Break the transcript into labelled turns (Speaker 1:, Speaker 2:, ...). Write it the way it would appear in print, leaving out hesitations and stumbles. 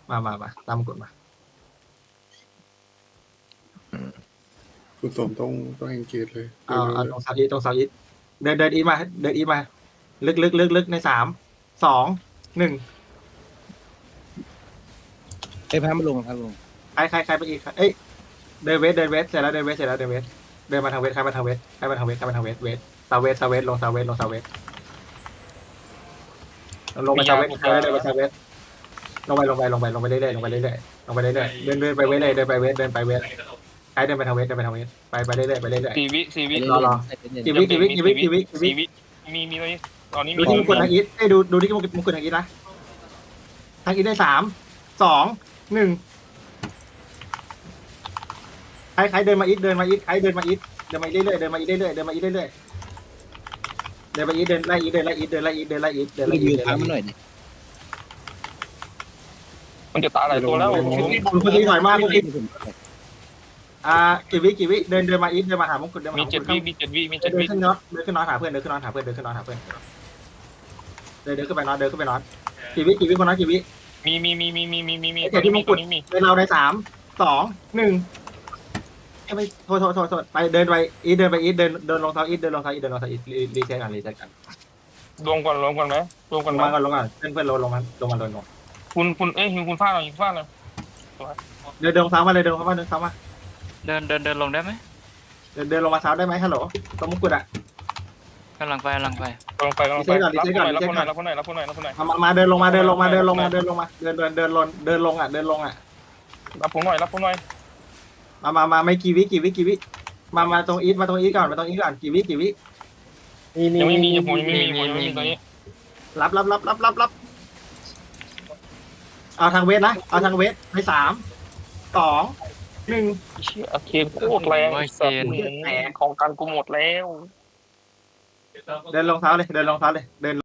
Speaker 1: มาตามกฎมา
Speaker 2: คุณสมต้องเอนเกจเลย
Speaker 1: เอาตรงเสาอีทเดินอีทมาเดินอีทมาลึกใน3 2 1
Speaker 3: ไอ้พามาลงพาลง
Speaker 1: ใครไปอีกเอ้ยเดินเวสเสร็จแล้วเดินเวสเดินมาทางเวสใครมาทางเวสเวสเซาเวสลงเซาเวสลงไปเซาเวสลงไปเซาเวสลงไปเรื่อยๆลงไปเรื่อยๆเดินไปเวสเลยเดินไปเวสใครเดินไปทางเวสไปเรื่อยๆ
Speaker 4: 4 วิ
Speaker 1: รอ กี่วิ
Speaker 4: 4 วิมีตอนนี้
Speaker 1: ดูที่มงกุฎทางอีทดูที่มงกุฎทางอีทนะทางอีทได้3 2 1ใครเดินมาอีทใครเดินมาอีทเดินมาเรื่อยๆเดินมาอีทเดินไล่อีท
Speaker 3: ยืนทางมันหน่อยดิ
Speaker 4: มันจะตายหลายตัวแล้ว
Speaker 1: คุณถอยมากคุณกี่วิเดินมาอีทเดินมาหามงกุฎเดินมา
Speaker 4: มี
Speaker 1: หามง
Speaker 4: 7
Speaker 1: กุฎ
Speaker 4: วิมี
Speaker 1: เดิ
Speaker 4: 7 วิ
Speaker 1: นขึ้นน็อตเดินขึ้นน็อตหาเพื่อนเดินขึ้นน็อตหาเพื่อนเดินขึ้นน็อตกี่วิคนน็อตกี่วิ
Speaker 4: มี
Speaker 1: เดี๋ยวที่มงกุฎเป็นเราใน3 2 1ไม่โทษไปเดินไปอีทเดินลงเท้าอีทรีเซ็ตกัน
Speaker 4: รวมกันไหมรวม
Speaker 1: ล
Speaker 4: กัน
Speaker 1: ง
Speaker 4: ไหม
Speaker 1: มาก่อนเพื่อนลงมา
Speaker 4: คุณหิวคุณฟาดหน่อย
Speaker 1: เดินซ้ำมาเลยเดินซ้ำมา
Speaker 5: เดินลงได้ไหม
Speaker 1: เดินลงมาซ้ำได้ไหมฮัลโหลตรงมงกุฎอ่ะ
Speaker 5: กำลังไป
Speaker 4: ลงไปรับคนไหน
Speaker 1: มาเดินลงมาเดินลงอ่ะรับผมหน่อยมาไม่กี่วิมาตรงอีทก่อนกี่วิ
Speaker 4: ยังไม่มีผมยังไม่มีตอนนี้
Speaker 1: รับเอาทางเวทนะเอาทางเวทใน3 2 1
Speaker 4: เชี่ยเคโคตรแรงของการกูหมดแล้ว
Speaker 1: เดินลงเท้าเลย